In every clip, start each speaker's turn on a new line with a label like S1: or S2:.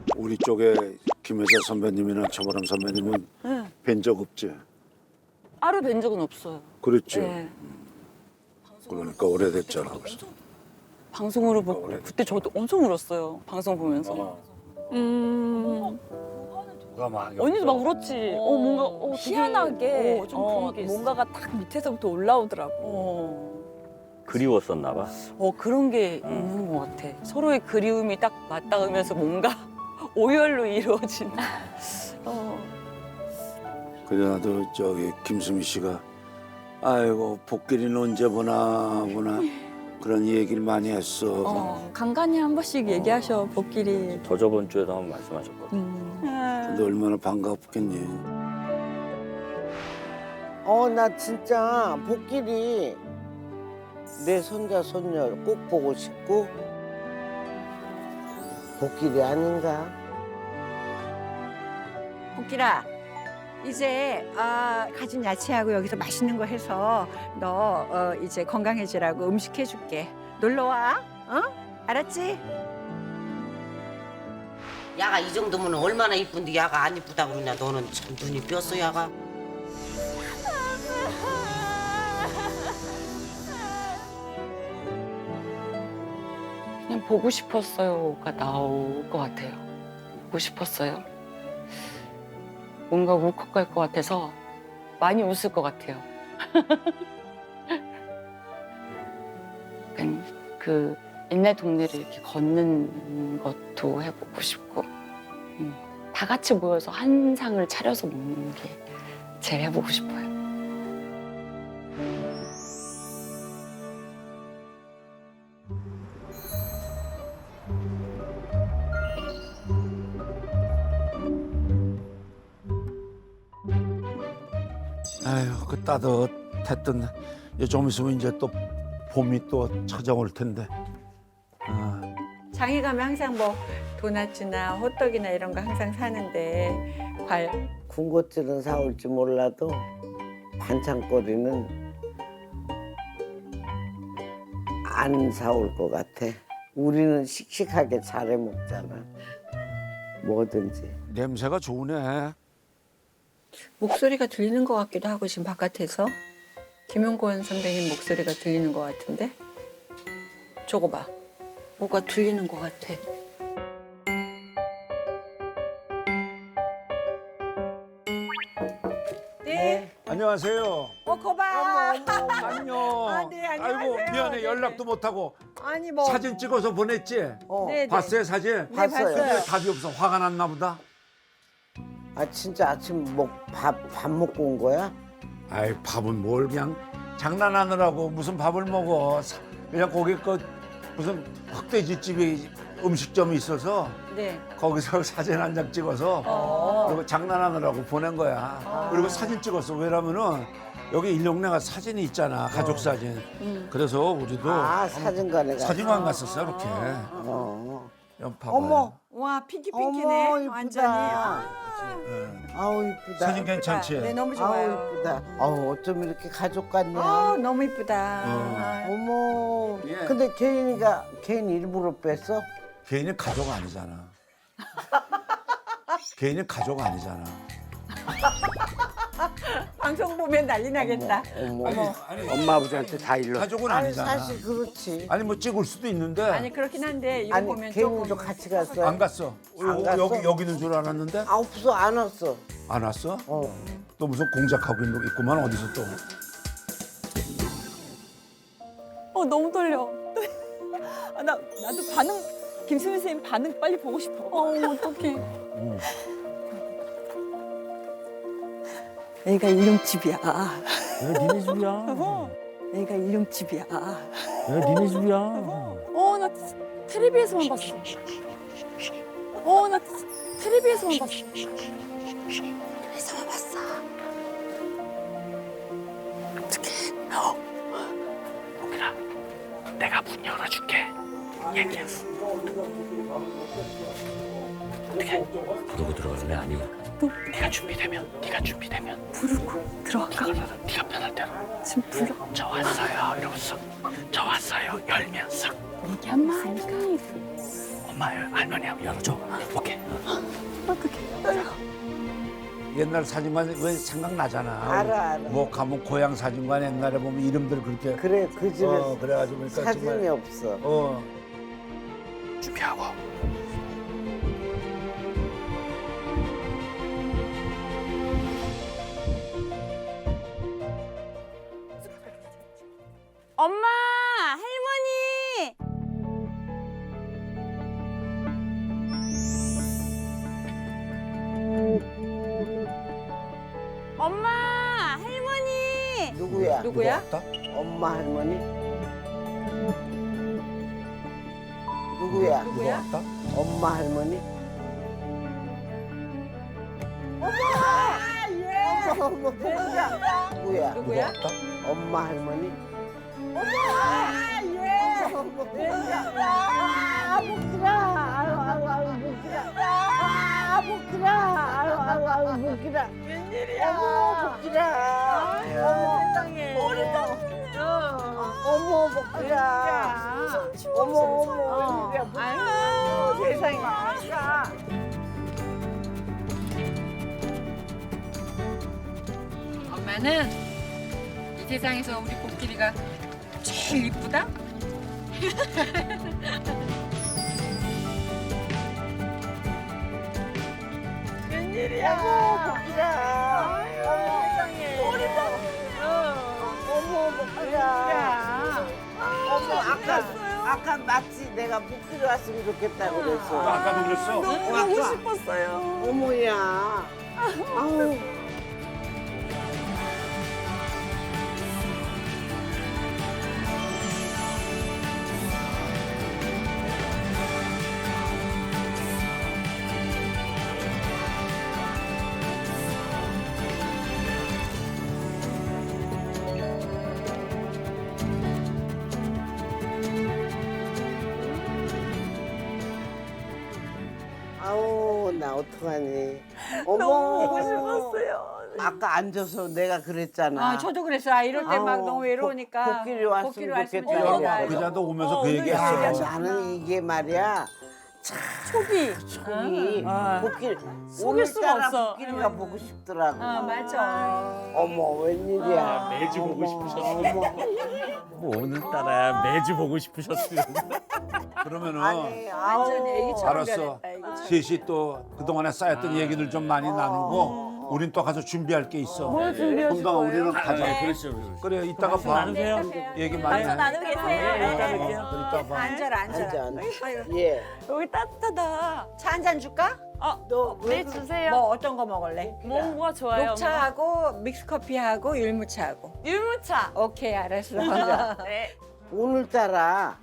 S1: 우리 쪽에 김혜자 선배님이나 최보람 선배님은
S2: 네.
S1: 뵌 적 없지?
S2: 따로 뵌 적은 없어요.
S1: 그렇죠.
S2: 네.
S1: 그러니까 오래됐잖아. 벌써.
S2: 방송으로 보고 그때 저도 엄청 울었어요. 방송 보면서.
S3: 누가 막
S2: 언니도 막 울었지. 뭔가 되게,
S4: 희한하게
S2: 좀 그런 게 있어.
S4: 뭔가가 딱 밑에서부터 올라오더라고.
S3: 그리웠었나 봐.
S2: 그런 게 있는 것 같아. 서로의 그리움이 딱 맞닿으면서 뭔가 오열로 이루어진.
S1: 그래 나도 저기 김수미 씨가 아이고 복길이는 언제 보나 그런 얘기를 많이 했어.
S4: 간간히 한 번씩 얘기하셔, 복길이.
S3: 저번 주에도 한번 말씀하셨거든.
S1: 근데 얼마나 반갑겠니.
S5: 나 진짜 복길이 내 손자 손녀 꼭 보고 싶고 복길이 아닌가?
S6: 복길아, 이제 가진 야채하고 여기서 맛있는 거 해서 너 이제 건강해지라고 음식 해줄게. 놀러 와, 알았지?
S7: 야가 이 정도면 얼마나 이쁜데 야가 안 이쁘다고 그러냐. 너는 참 눈이 뼈어 야가.
S2: 그냥 보고 싶었어요가 나올 것 같아요. 보고 싶었어요. 뭔가 울컥할 것 같아서 많이 웃을 것 같아요. 약간 그 옛날 동네를 이렇게 걷는 것도 해보고 싶고 다 같이 모여서 한 상을 차려서 먹는 게 제일 해보고 싶어요.
S1: 아휴 그 따뜻했던 좀 있으면 이제 또 봄이 또 찾아올 텐데.
S6: 장에 가면 항상 뭐 도넛이나 호떡이나 이런 거 항상 사는데
S5: 군것질은 사올지 몰라도 반찬거리는 안 사올 것 같아. 우리는 씩씩하게 잘해 먹잖아. 뭐든지.
S1: 냄새가 좋으네.
S4: 목소리가 들리는 것 같기도 하고, 지금 바깥에서. 김용권 선배님 목소리가 들리는 것 같은데? 저거 봐. 뭐가 들리는 것 같아.
S6: 네.
S1: 안녕하세요.
S6: 거봐.
S1: 안녕.
S6: 네, 안녕하세요.
S1: 아이고 미안해 연락도 못하고
S6: 아니 뭐.
S1: 사진 찍어서 보냈지?
S6: 네,
S1: 봤어요 사진?
S6: 네, 봤어요.
S1: 근데 답이 없어. 화가 났나 보다.
S5: 진짜 아침 밥 먹고 온 거야?
S1: 아이 밥은 뭘 그냥 장난하느라고 무슨 밥을 먹어. 그냥 거기 무슨 흑돼지집이 음식점이 있어서
S4: 네.
S1: 거기서 사진 한 장 찍어서 그리고 장난하느라고 보낸 거야. 그리고 사진 찍었어. 왜냐면은 여기 일용내가 사진이 있잖아. 가족 사진. 그래서 우리도
S5: 사진관에 가서.
S1: 사진관 갔었어 이렇게. 봐봐요.
S5: 어머.
S6: 와, 핑키핑키네.
S5: 어머, 이쁘다.
S6: 완전히.
S5: 아우 이쁘다.
S1: 사진 괜찮지?
S6: 네, 너무
S5: 아우
S6: 좋아요.
S5: 이쁘다. 어쩜 이렇게 가족 같냐?
S6: 너무 이쁘다.
S5: 어머.
S1: 예.
S5: 근데 개인 일부러 뺐어?
S1: 개인은 가족 아니잖아. 개인은 가족 아니잖아.
S6: 방송 보면 난리 나겠다.
S1: 아니,
S5: 엄마 아버지한테 다 일러.
S1: 가족은 아니잖아.
S5: 사실 그렇지.
S1: 아니 뭐 찍을 수도 있는데
S6: 아니 그렇긴 한데 이거
S5: 아니
S6: 보면
S5: 개인도
S6: 조금
S5: 같이 갔어.
S1: 안 갔어.
S5: 안 갔어?
S1: 여기는 줄 알았는데
S5: 없어 안 왔어.
S1: 안 왔어? 또 무슨 공작하고 있구만 어디서 또.
S2: 너무 떨려. 나도 김수미 선생님 반응 빨리 보고 싶어. 어떡해.
S4: 여기가 일용집이야.
S3: 왜 니네 집이야?
S4: 여기가 일용집이야.
S3: 왜 니네 집이야?
S2: 나 텔레비에서만 봤어. 나 텔레비에서만 봤어. 텔레비에서만 봤어.
S3: 복길아, 내가 문 열어줄게. 얘기했어. 어떻게? 부르고 들어갈래? 아니면 네가 준비되면
S4: 부르고 들어갈까?
S3: 네가 편할 대로.
S4: 지금 불러.
S3: 저 왔어요. 이러고 쓱. 저 왔어요. 열면 쓱.
S2: 엄마.
S3: 엄마 할머니 한번 열어줘. 오케이.
S1: 옛날 사진관 왜 생각나잖아.
S5: 알아.
S1: 뭐 가면 고향 사진관 옛날에 보면 이름들 그렇게
S5: 그래 그 집에
S1: 그래가지고 그러니까
S5: 사진이
S1: 정말
S5: 없어.
S3: 준비하고.
S8: 엄마, 할머니. 엄마, 할머니.
S5: 누구야?
S4: 누구야?
S1: 왔다?
S5: 엄마 할머니? 누구야?
S1: 누가 왔다?
S5: 엄마 할머니? 어머 누구야? 누구야?
S1: 누가 왔다?
S5: 엄마 할머니? 어머 복들아. 어머
S6: 아유 세상에.
S4: 엄마는 이 세상에서 우리 복길이가 제일 이쁘다?
S5: 어머 아까 맞지? 내가 복들이 왔으면 좋겠다고 그랬어.
S1: 아까도 그랬어?
S5: 보고 싶었어요. 어머야. 아우. 아우 나 어떡하니. 어머.
S8: 너무 보고 싶었어요.
S5: 아까 앉아서 내가 그랬잖아.
S4: 아, 저도 그랬어. 아, 이럴 때 막
S5: 아우,
S4: 너무 외로우니까.
S5: 복길이 왔으면
S4: 복길이 왔으면
S5: 좋겠다.
S4: 좋겠다.
S1: 그자도 오면서 그
S4: 늘
S1: 얘기했어.
S4: 얘기하셔.
S5: 나는 이게 말이야.
S8: 속이.
S5: 속이 복길
S8: 속일 수가 없어.
S5: 복길이가 보고 싶더라고.
S4: 맞아.
S5: 어머 웬일이야.
S3: 매주 보고 싶으셨어요.
S5: 어머.
S3: 뭐 오늘따라 매주 보고 싶으셨어요.
S1: 그러면은
S5: 아니 아우.
S4: 완전 애기처럼
S1: 알았어.
S4: 변했다, 애기처럼.
S1: 셋이 또 그동안에 쌓였던 얘기들 좀 많이 나누고 우린 또 가서 준비할 게 있어.
S8: 뭘 준비하실
S1: 금방
S8: 거예요?
S1: 우리는 가자.
S3: 그렇죠.
S1: 그래 이따가 봐.
S3: 나누세요.
S1: 얘기 많이 해.
S8: 나누고 계세요.
S1: 그래, 이따 봐.
S4: 앉아라, 앉아라.
S5: 앉아 앉아. 예.
S8: 여기 따뜻하다.
S4: 차 한 잔 줄까?
S8: 네, 주세요.
S4: 뭐 어떤 거 먹을래?
S8: 뭐가 좋아요?
S4: 녹차하고 믹스커피하고 율무차하고.
S8: 엄마? 율무차.
S4: 오케이, 알았어.
S8: 네.
S5: 오늘따라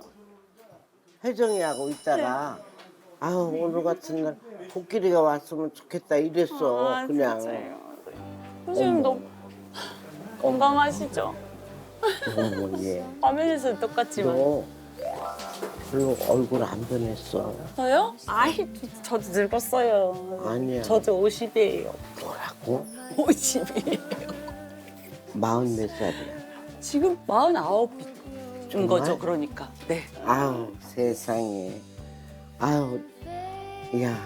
S5: 혜정이하고 있다가 아우 오늘 같은 날 복길이가 왔으면 좋겠다 이랬어 그냥.
S8: 선생님 너무 건강하시죠?
S5: 어머 예.
S8: 화면에서 똑같지만.
S5: 너 별로 얼굴 안 변했어.
S8: 저요? 아이, 저도 늙었어요.
S5: 아니야.
S8: 저도 50이에요.
S5: 뭐라고?
S8: 50이에요.
S5: 40몇 살이야.
S8: 지금 49인 거죠, 그러니까. 네.
S5: 아우 세상에. 아우 야.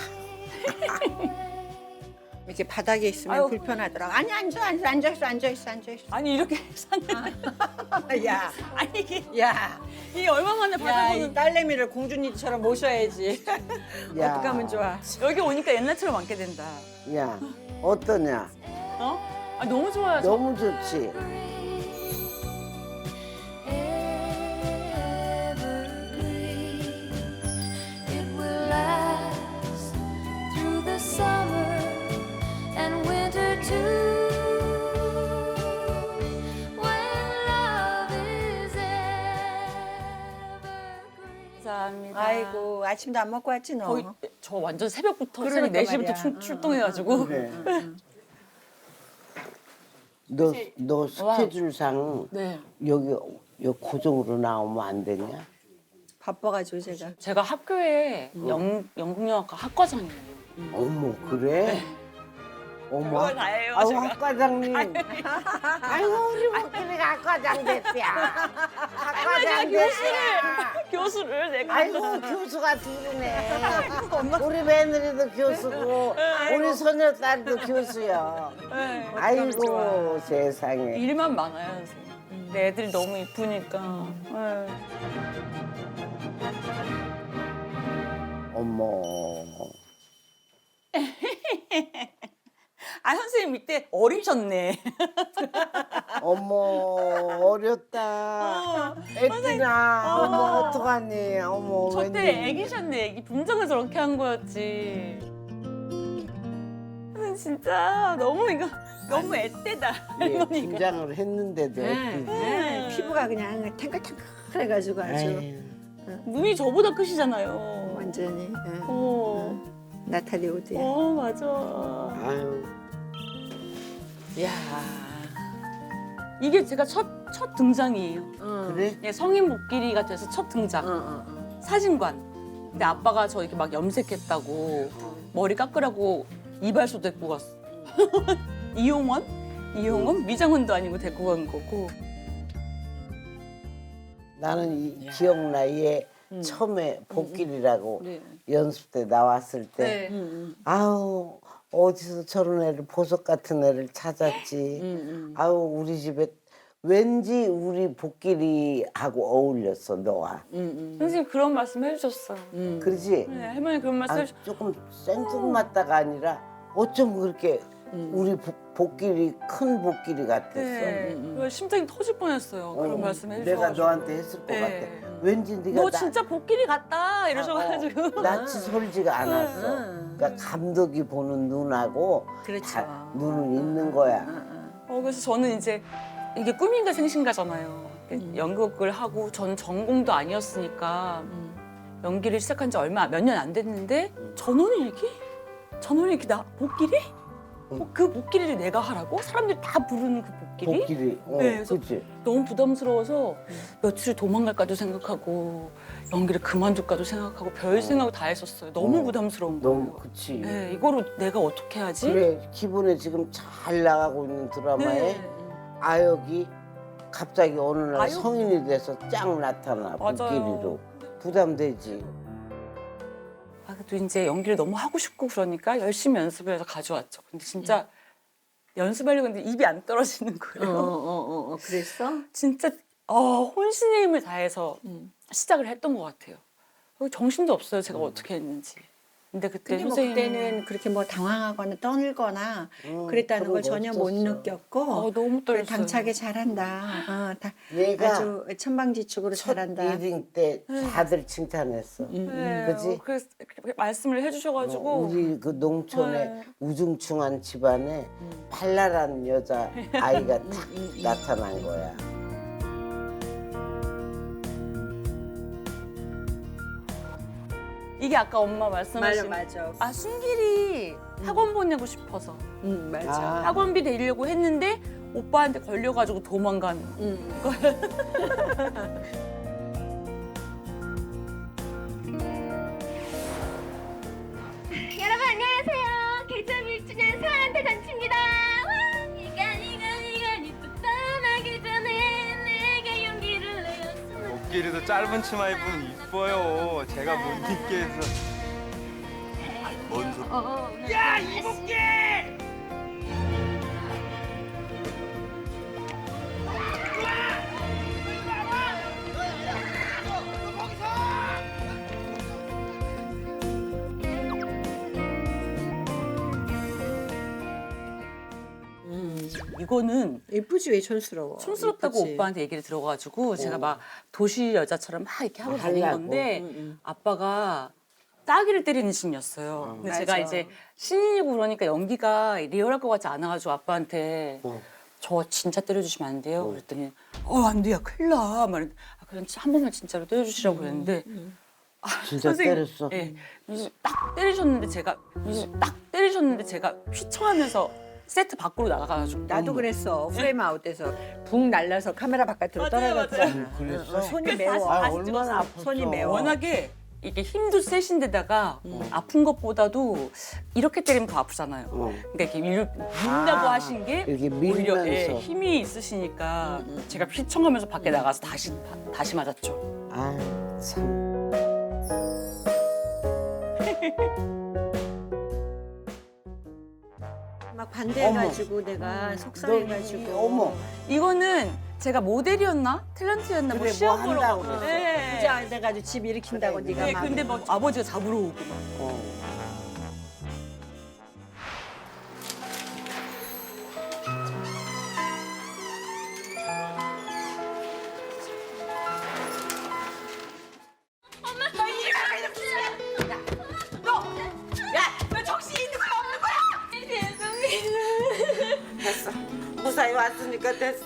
S4: 이렇게 바닥에 있으면
S8: 아유.
S4: 불편하더라고. 아니, 앉아있어.
S8: 아니, 이렇게 샀는데.
S4: 야,
S8: 아니, 이게
S4: 야.
S8: 얼마 만에
S4: 야,
S8: 받아보는.
S4: 이 딸내미를 공주님처럼 모셔야지.
S5: 야.
S4: 어떻게 하면 좋아?
S8: 여기 오니까 옛날처럼 앉게 된다.
S5: 야 어떠냐?
S8: 어? 아, 너무 좋아요. 저.
S5: 너무 좋지.
S9: It will last through the summer and winter too. When love is evergreen.
S8: 감사합니다.
S4: 아이고, 아침도 안 먹고 왔지, 너?
S8: 거의 저 완전 새벽부터
S4: 그러니까
S8: 새벽 4시부터
S4: 말이야.
S8: 출동해가지고
S5: 그래. 너 스케줄상
S8: 네.
S5: 여기 고정으로 나오면 안 되냐?
S4: 바빠가지고 제가.
S8: 제가 학교에 연극영화과 학과장이에요.
S5: 어머 그래? 어머.
S8: 그걸 다 해요,
S5: 아우
S8: 제가.
S5: 학 과장님. 아이고 우리 복길이가 학 과장 됐야. 학 과장 됐야.
S8: 교수를 내가.
S5: 아이고 교수가 둘이네. 우리 며느리도 교수고 우리 소녀딸도 교수야.
S8: 네.
S5: 아이고 세상에.
S8: 일만 많아요, 선생님. 내 애들이 너무 이쁘니까. 네.
S5: 어머.
S8: 아, 선생님 이때 어리셨네.
S5: 어머 어렸다. 애기나. 어머 어떡하니. 어머
S8: 저 때
S5: 웬일.
S8: 애기셨네, 애기. 분장을 저렇게 한 거였지. 선생님 진짜 너무 이거 너무 애때다,
S5: 예,
S8: 할머니가.
S5: 김장을 했는데도 애기.
S6: 피부가 그냥 탱글탱글해가지고 아주
S5: 에이,
S8: 눈이 저보다 크시잖아요.
S6: 완전히 나탈리 오드야.
S8: 맞아.
S5: 아유.
S8: 이야. 이게 제가 첫 등장이에요.
S5: 그래?
S8: 예, 성인 복길이가 돼서 첫 등장. 사진관. 근데 아빠가 저 이렇게 막 염색했다고 머리 깎으라고 이발소 데리고 갔어. 이용원? 미장원도 아니고 데리고 간 거고.
S5: 나는 기억나. 얘 처음에 복길이라고 연습 때 나왔을 때 아우 어디서 저런 애를 보석 같은 애를 찾았지. 아우 우리 집에 왠지 우리 복길이하고 어울렸어 너와.
S8: 선생님 그런 말씀 해주셨어요.
S5: 그러지?
S8: 네, 할머니 그런 말씀
S5: 아,
S8: 해주셨어요.
S5: 조금 생뚱맞다가 아니라 어쩜 그렇게 우리 복길이 큰 복길이 같았어.
S8: 네. 심장이 터질 뻔했어요. 그런 말씀 해주셔가지고.
S5: 내가 너한테 했을 것
S8: 네.
S5: 같아. 왠지 네가
S8: 너 진짜 복길이 같다 이러셔가지고.
S5: 낯이 솔지가 않았어. 그러니까 감독이 보는 눈하고
S6: 그렇죠.
S5: 다 눈은 있는 거야.
S8: 그래서 저는 이제 이게 꿈인가 생신가잖아요. 연극을 하고 저는 전공도 아니었으니까 연기를 시작한 지 몇 년 안 됐는데 전원일기? 전원일기 나 복길이? 그 복길이를 내가 하라고? 사람들이 다 부르는 그 복길이?
S5: 복길이.
S8: 네, 그래서
S5: 그렇지.
S8: 너무 부담스러워서 며칠 도망갈까도 생각하고 연기를 그만둘까도 생각하고 별 생각 다 했었어요. 너무 부담스러운 거예요.
S5: 너무 그치.
S8: 네, 이거로 내가 어떻게 하지?
S5: 그래 기분에 지금 잘 나가고 있는 드라마에
S8: 네.
S5: 아역이 갑자기 어느 날
S8: 아역?
S5: 성인이 돼서 쫙 나타나
S8: 맞아요.
S5: 복길이로. 부담되지.
S8: 그래도 이제 연기를 너무 하고 싶고 그러니까 열심히 연습을 해서 가져왔죠. 근데 진짜 연습하려고 했는데 입이 안 떨어지는 거예요.
S6: 그랬어?
S8: 진짜 혼신의 힘을 다해서 시작을 했던 것 같아요. 정신도 없어요. 제가 어떻게 했는지. 근데 그때
S6: 근데 뭐
S8: 선생님
S6: 그때는 그렇게 뭐 당황하거나 떠들거나 그랬다는
S5: 그런
S6: 걸
S5: 거
S6: 전혀 못
S5: 없었어.
S6: 느꼈고
S8: 너무 떨렸어요.
S6: 당차게 잘한다.
S5: 얘가
S6: 아주 천방지축으로
S5: 첫
S6: 잘한다.
S5: 리딩 때 다들 칭찬했어.
S8: 네,
S5: 그치?
S8: 그래서 말씀을 해주셔가지고
S5: 우리 그 농촌의
S8: 네.
S5: 우중충한 집안에 발랄한 여자 아이가 딱 나타난 거야.
S8: 이게 아까 엄마 말씀하신
S6: 맞아.
S8: 순길이 학원 보내고 싶어서
S6: 맞아.
S5: 아,
S8: 학원비 내려고 했는데 오빠한테 걸려가지고 도망간
S9: 여러분 안녕하세요. 개점 1주년 사랑한테 잔치입니다. 이간 입고 떠나기 전에 내게 용기를 내었으면
S10: 복길이도 짧은 치마 입으면 이뻐요. 제가 못 입게 해서. 뭔 소리?
S9: 야 이복기!
S8: 이거는
S6: 예쁘지 왜 촌스러워?
S8: 촌스럽다고
S6: 예쁘지.
S8: 오빠한테 얘기를 들어가지고 제가 막 도시 여자처럼 막 이렇게 하고 다닌
S5: 하려고.
S8: 건데 아빠가 따귀를 때리는 신이었어요. 근데 제가 이제 신인이고 그러니까 연기가 리얼할 것 같지 않아가지고 아빠한테 저 진짜 때려주시면 안 돼요? 그랬더니 안 돼요. 큰일 나. 말했는데 그럼 한 번만 진짜로 때려주시라고 그랬는데
S5: 진짜
S8: 선생님,
S5: 때렸어.
S8: 예. 딱 때리셨는데 제가 휘청하면서 세트 밖으로 나가가지고
S6: 나도 그랬어. 프레임 아웃돼서 붕 날라서 카메라 바깥으로
S8: 맞아요,
S6: 떨어졌잖아.
S5: 그랬어?
S6: 손이
S8: 그래서
S6: 매워.
S8: 다시
S5: 얼마나 아팠어.
S6: 손이 매워.
S8: 워낙에 이게 힘도 세신데다가 아픈 것보다도 이렇게 때리면 더 아프잖아요. 그러니까 이렇게 민다고 하신 게
S5: 이렇게
S8: 오히려
S5: 밀면서.
S8: 힘이 있으시니까 제가 휘청하면서 밖에 나가서 다시 맞았죠.
S5: 아, 참.
S4: 막 반대해가지고 내가 속상해가지고.
S5: 어머.
S8: 이거는 제가 모델이었나 탤런트였나 뭐
S5: 그래,
S8: 시험
S5: 뭐
S8: 보러
S5: 한다고
S8: 가고.
S5: 그랬어.
S8: 네.
S4: 부자 돼가지고 집 일으킨다고 네가
S8: 네,
S4: 막.
S8: 근데 뭐 아버지가 잡으러 오고 막.
S7: 됐어. 무사히 왔으니까 됐어.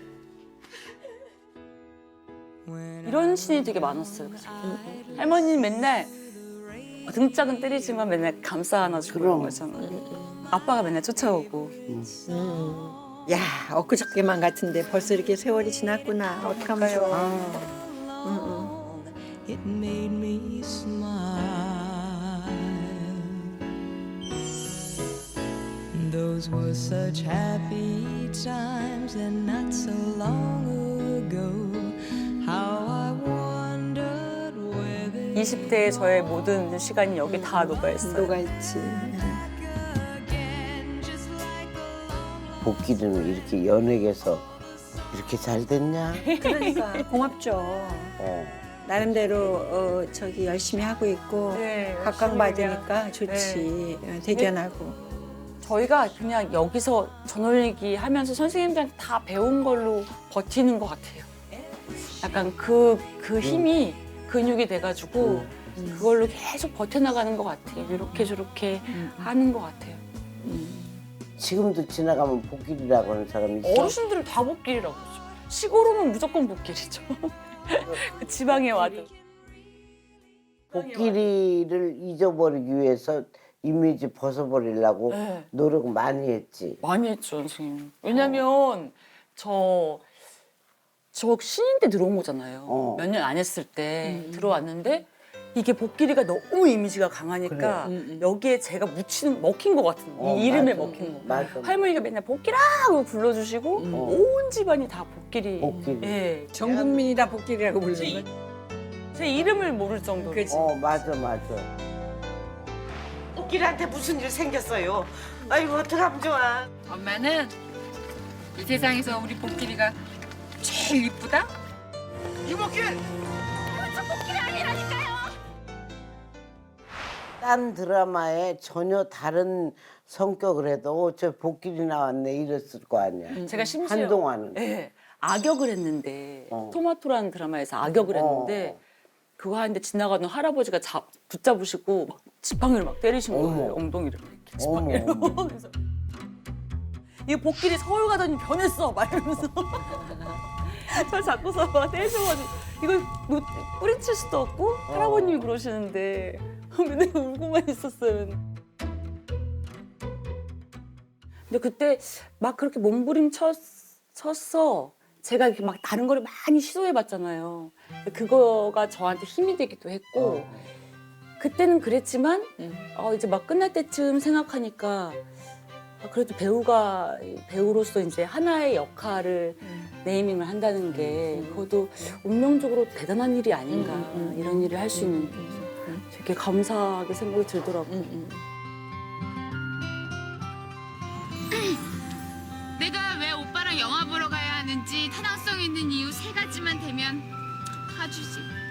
S8: 이런 신이 되게 많았어요. 그래서 할머니는 맨날 등짝은 때리지만 맨날 감싸 안아주고 그런 거잖아요. 아빠가 맨날 쫓아오고.
S4: 야, 엊그저께만 같은데 벌써 이렇게 세월이 지났구나. 어떡하면 좋아.
S11: It made me smile. Those were such happy times, and not so long ago. How I wondered where they
S8: 20대의 저의 모든 시간이 여기 다 녹아있어요.
S4: 녹아있지.
S5: 복귀는 이렇게 연예계에서 이렇게 잘 됐냐?
S4: 그러니까 고맙죠. 나름대로 저기 열심히 하고 있고
S8: 네,
S4: 각광받으니까 좋지. 대견하고.
S8: 저희가 그냥 여기서 전월리기 하면서 선생님들한테 다 배운 걸로 버티는 것 같아요. 약간 그 힘이 근육이 돼가지고 그걸로 계속 버텨나가는 것 같아요. 이렇게 저렇게 하는 것 같아요.
S5: 지금도 지나가면 복길이라고 하는 사람이 있어?
S8: 어르신들은 다 복길이라고 그러죠. 시골 오면 무조건 복길이죠. 그 지방에 와도.
S5: 복길이를 잊어버리기 위해서 이미지 벗어버리려고
S8: 네.
S5: 노력 많이 했지.
S8: 많이 했죠, 선생님. 왜냐면 저 신인 때 들어온 거잖아요. 몇 년 안 했을 때 들어왔는데 이게 복길이가 너무 이미지가 강하니까 여기에 제가 먹힌 것 같은 이 이름에
S5: 맞아.
S8: 먹힌 거.
S5: 맞아.
S8: 할머니가 맨날 복길아고 불러주시고 온 집안이 다 복길이.
S5: 복길이.
S8: 예.
S4: 전 국민이 다 복길이라고 부르는 거.
S8: 제 이름을 모를 정도로.
S4: 그치.
S5: 맞아.
S7: 복길한테 무슨 일 생겼어요? 아이고 어떡하면 좋아.
S12: 엄마는 이 세상에서 우리 복길이가 제일 이쁘다?
S5: 딴 드라마에 전혀 다른 성격을 해도 저 복길이 나왔네 이랬을 거 아니야.
S8: 제가 심지어
S5: 한동안은.
S8: 예, 악역을 했는데 토마토라는 드라마에서 악역을 했는데
S5: 어.
S8: 그거 하는데 지나가던 할아버지가 붙잡으시고 막 지팡이를 막 때리신 거예요.
S5: 어머.
S8: 엉덩이를 이렇게
S5: 어머,
S8: 지팡이로.
S5: 어머.
S8: 그래서 이 복길이 서울 가더니 변했어 막 이러면서 저 잡고서 막 때리셔가지고 이걸 뿌리칠 수도 없고 할아버님이 그러시는데 맨날 울고만 있었어요. 근데 그때 막 그렇게 몸부림쳤어. 제가 이렇게 막 다른 거를 많이 시도해봤잖아요. 그거가 저한테 힘이 되기도 했고 그때는 그랬지만 이제 막 끝날 때쯤 생각하니까 그래도 배우로서 이제 하나의 역할을 네이밍을 한다는 게 그것도 운명적으로 대단한 일이 아닌가 이런 일을 할 수 있는 되게 감사하게 생각이 들더라고요.
S9: 내가 왜 오빠랑 영화 보러 가야 하는지 타당성 있는 이유 3가지만 되면 가주지.